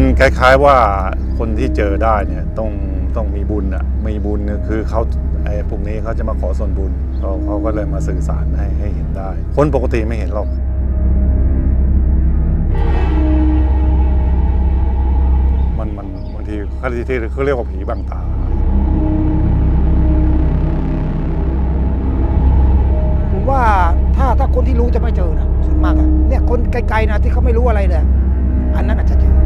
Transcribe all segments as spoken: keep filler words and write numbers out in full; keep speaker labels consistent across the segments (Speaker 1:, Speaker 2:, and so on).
Speaker 1: คล้ายๆว่าคนที่เจอได้เนี่ยต้องต้องมีบุญอ่ะมีบุญคือเขาไอ้พวกนี้เขาจะมาขอส่วนบุญเขาเขาก็เลยมาสื่อสารให้ให้เห็นได้คนปกติไม่เห็นหรอกมันมันบางทีเขาที่เขาเรียกว่าผีบังตา
Speaker 2: ผมว่าถ้าถ้าคนที่รู้จะไม่เจอนะส่วนมากอะเนี่ยคนไกลๆนะที่เขาไม่รู้อะไรเลยอันนั้นอาจจะเจอ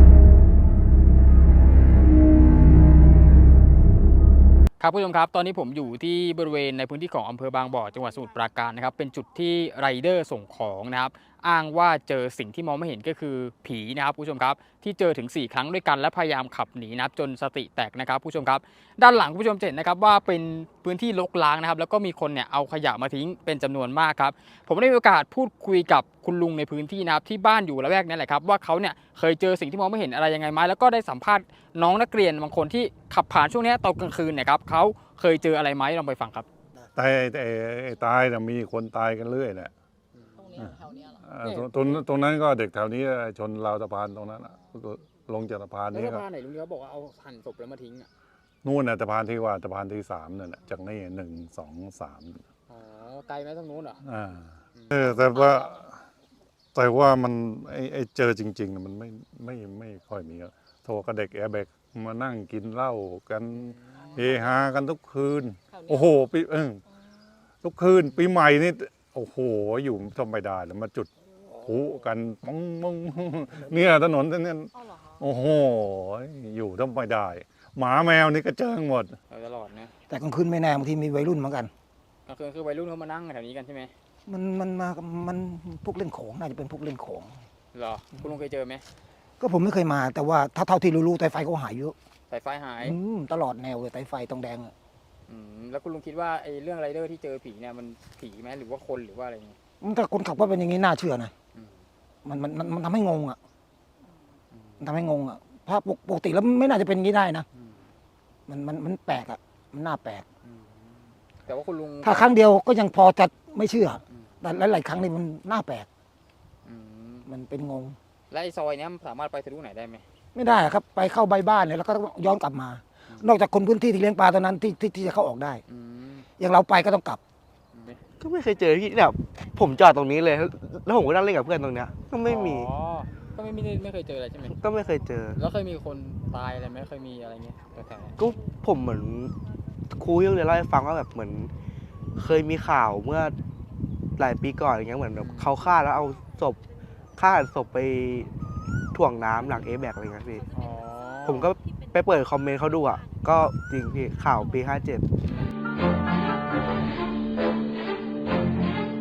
Speaker 3: ครับผู้ชมครับตอนนี้ผมอยู่ที่บริเวณในพื้นที่ของอำเภอบางบ่อจังหวัดสมุทรปราการนะครับเป็นจุดที่ไรเดอร์ส่งของนะครับอ้างว่าเจอสิ่งที่มองไม่เห็นก็คือผีนะครับผู้ชมครับที่เจอถึงสี่ครั้งด้วยกันและพยายามขับหนีนะครับจนสติแตกนะครับผู้ชมครับด้านหลังผู้ชมจะเห็นนะครับว่าเป็นพื้นที่รกร้างนะครับแล้วก็มีคนเนี่ยเอาขยะมาทิ้งเป็นจำนวนมากครับผมได้มีโอกาสพูดคุยกับคุณลุงในพื้นที่นะครับที่บ้านอยู่ละแวกนี้แหละครับว่าเขาเนี่ยเคยเจอสิ่งที่มองไม่เห็นอะไรยังไงไหมแล้วก็ได้สัมภาษณ์น้องนักเรียนบางคนที่ขับผ่านช่วงนี้ตอนกลางคืนเนี่ยครับเขาเคยเจออะไรไหมลองไปฟังครับ
Speaker 1: ตายไอ้ตายนะมีคนตายกันเรื่อยแหละ
Speaker 3: ตรงนี้แถวนี้
Speaker 1: เหรอตรงตรงนั้นก็เด็กแถวนี้ชนราวสะพานตรงนั้นลงจากสะพานนี้
Speaker 3: แล้วสะพานไหนลุงเขาบอกว่าเอาหั่นศพแล้วมาทิ้งอ่ะ
Speaker 1: นู่นน่ะสะพานที่ว่าสะพานที่สามนั่นแหละจากนี่หนึ่งสองสาม
Speaker 3: อ๋อไกลไหมตรงนู้นเหรอ
Speaker 1: อ่าเออแต่ว่าแต่ว่ามันไอ้ไอ้เจอจริงๆมันไม่ไม่ไม่ค่อยมีโทรกับเด็กแอร์แบกมานั่งกินเหล้ากันเฮฮากันทุกคืนโอ้โหปีเออทุกคืนปีใหม่นี่โอ้โหอยู่ทำไม่ได้แล้วมาจุดพลุกันมองมองเนี่ยถนนเนี่ยโอ้โหอยู่ทำไม่ได้หมาแมวนี่ก็เจอหมด
Speaker 3: ตลอดนะ
Speaker 2: แต่กลางคืนไม่แน่บางทีมีวัยรุ่นเหมือนกัน
Speaker 3: กลางคืนคือวัยรุ่นเขามานั่งแถวนี้กันใช่ไหม
Speaker 2: มันมันมามันพวกเล่นของน่าจะเป็นพวกเล่นของ
Speaker 3: เหรอคุณลุงเคยเจอไหม
Speaker 2: ก็ผมไม่เคยมาแต่ว่าถ้าเท่าที่รู้ๆไตไฟเขาหายเยอะ
Speaker 3: ไตไฟหาย
Speaker 2: ตลอดแนวเลยไตไฟตรงแดง
Speaker 3: แล้วคุณลุงคิดว่าไอ้เรื่องไรเดอร์ที่เจอผีเนี่ยมันผีไหมหรือว่าคนหรือว่าอะไรเงี้ย
Speaker 2: ถ้าคนขับว่าเป็นอย่างนี้น่าเชื่อนะมันมันมันทำให้งงอ่ะมันทำให้งงอ่ะเพราะปกติแล้วไม่น่าจะเป็นอย่างนี้ได้นะมันมันมันแปลกอ่ะมันน่าแปลก
Speaker 3: แต่ว่าคุณลุง
Speaker 2: ถ้าครั้งเดียวก็ยังพอจะไม่เชื่อแต่หลายๆครั้งนี่มันน่าแปลกมันเป็นงง
Speaker 3: และไอ้ซอยนี้มันสามารถไปทะลุไหนได้ไหม
Speaker 2: ไม่ได้ครับไปเข้าใบบ้านเนี่ยแล้วก็ต้องย้อนกลับมานอกจากคนพื้นที่ที่เลี้ยงปลาตอนนั้นที่ที่ที่จะเข้าออกได้อย่างเราไปก็ต้องกลับ
Speaker 4: ก็ไม่เคยเจอพี่เนี่ยผมจอดตรงนี้เลยแล้วผมก็นั่งเล่นกับเพื่อนตรงเนี้ยก็ไม่มี
Speaker 3: อ๋อก็ไม่ไม่ไม่เคยเจออะไรใช่ไหม
Speaker 4: ก็ไม่เคยเจอ
Speaker 3: แล้วเคยมีคนตายอะไรไหมเคยมีอะไรเงี้ยแถว
Speaker 4: ๆก็ผมเหมือนครูที่โรงเรียนเล่าให้ฟังว่าแบบเหมือนเคยมีข่าวเมื่อหลายปีก่อนอย่างเงี้ยเหมือนแบบเขาฆ่าแล้วเอาศพฆ่าศพไปถ่วงน้ำหลังเอแบกอะไรเงี้ยพี่ผมก็ไปเปิดคอมเมนต์เขาดูอ่ะก็จริงพี่ข่าวปีห้าเจ็ด